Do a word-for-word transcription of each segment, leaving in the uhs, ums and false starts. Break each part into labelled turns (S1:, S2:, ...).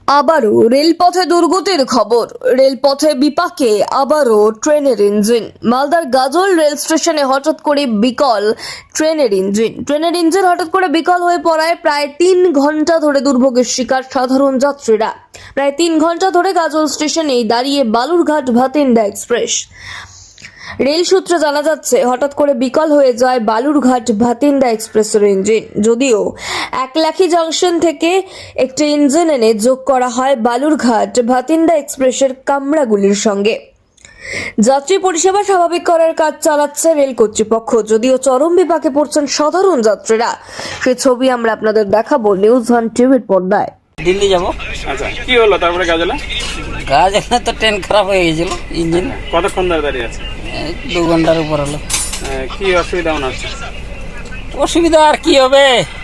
S1: আবারও রেলপথে দুর্গতির খবর। রেলপথে বিপাকে আবারও ট্রেনের ইঞ্জিন। মালদার গাজল রেল স্টেশনে হঠাৎ করে বিকল ট্রেনের ইঞ্জিন। ট্রেনের ইঞ্জিন হঠাৎ করে বিকল হয়ে পড়ায় প্রায় তিন ঘন্টা ধরে দুর্ভোগের শিকার সাধারণ যাত্রীরা। প্রায় তিন ঘন্টা ধরে গাজল স্টেশনেই দাঁড়িয়ে বালুরঘাট ভাতিন্ডা এক্সপ্রেস। রেল সূত্রে জানা যাচ্ছে, হঠাৎ করে বিকল হয়ে যায় বালুরঘাট ভাতিন্ডা এক্সপ্রেসের ইঞ্জিন। যদিও একলাখি জংশন থেকে একটি ইঞ্জিন এনে যোগ করা হয় বালুরঘাট ভাতিন্ডা এক্সপ্রেসের কামরাগুলির সঙ্গে। যাত্রী পরিষেবা স্বাভাবিক করার কাজ চালাচ্ছে রেল কর্তৃপক্ষ। যদিও চরম বিপাকে পড়ছেন সাধারণ যাত্রীরা। সেই ছবি আমরা আপনাদের দেখাবো নিউজ ওয়ান টিভির পর্দায়।
S2: দিল্লি যাবো।
S3: আচ্ছা, কি হলো তারপরে গাজলে?
S2: গাজলে তো ট্রেন খারাপ হয়ে গেছিল, ইঞ্জিন।
S3: কতক্ষণ ধরে দাঁড়িয়ে আছে?
S2: এই দু ঘন্টার উপর হলো।
S3: আহ, কি অসুবিধা মনে হচ্ছে?
S2: অসুবিধা আর কি হবে,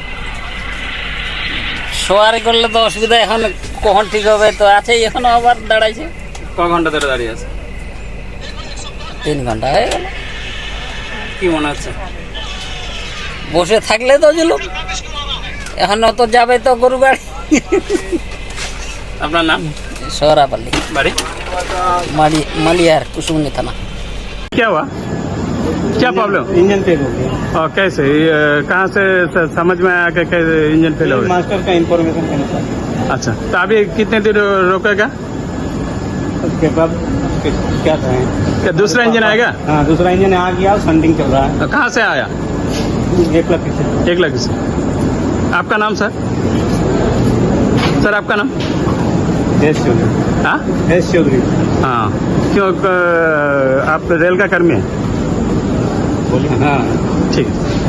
S2: সোয়ারি করলে তো অসুবিধা। এখন কখন ঠিক হবে তো আছে, এখনো আবার দাঁড়াইছে।
S3: ক ঘন্টা ধরে দাঁড়িয়ে আছে?
S2: তিন ঘন্টা হয়ে গেল।
S3: কি মনে হচ্ছে?
S2: বসে থাকলে তো জুলুম, এখনো তো যাবে তো গরু গাড়ি।
S3: আপনার নাম?
S2: সোহরাপাল্লি,
S3: বাড়ি?
S2: মালি মালিয়ার कुसुमनी थाना।
S3: क्या हुआ? क्या प्रॉब्लम?
S4: इंजन फेल हो गया।
S3: और कैसे ये, कहाँ से स- समझ में आया कि कैसे इंजन फेल हो गया?
S4: मास्टर का इंफॉर्मेशन के अनुसार
S3: अच्छा, तो अभी कितने देर रोकेगा?
S4: उसके बाद फिर क्या कहें।
S3: क्या दूसरा इंजन आएगा?
S4: हाँ, दूसरा इंजन आ गया, संडिंग चल रहा है।
S3: कहाँ से आया?
S4: एक लाख से
S3: एक लाख से। आपका नाम सर? सर आपका नाम?
S4: एस चौधरी।
S3: हाँ
S4: एस चौधरी।
S3: हाँ, क्यों क- आप रेल का कर्मी हैं?
S4: बोलिए। हाँ,
S3: ठीक है।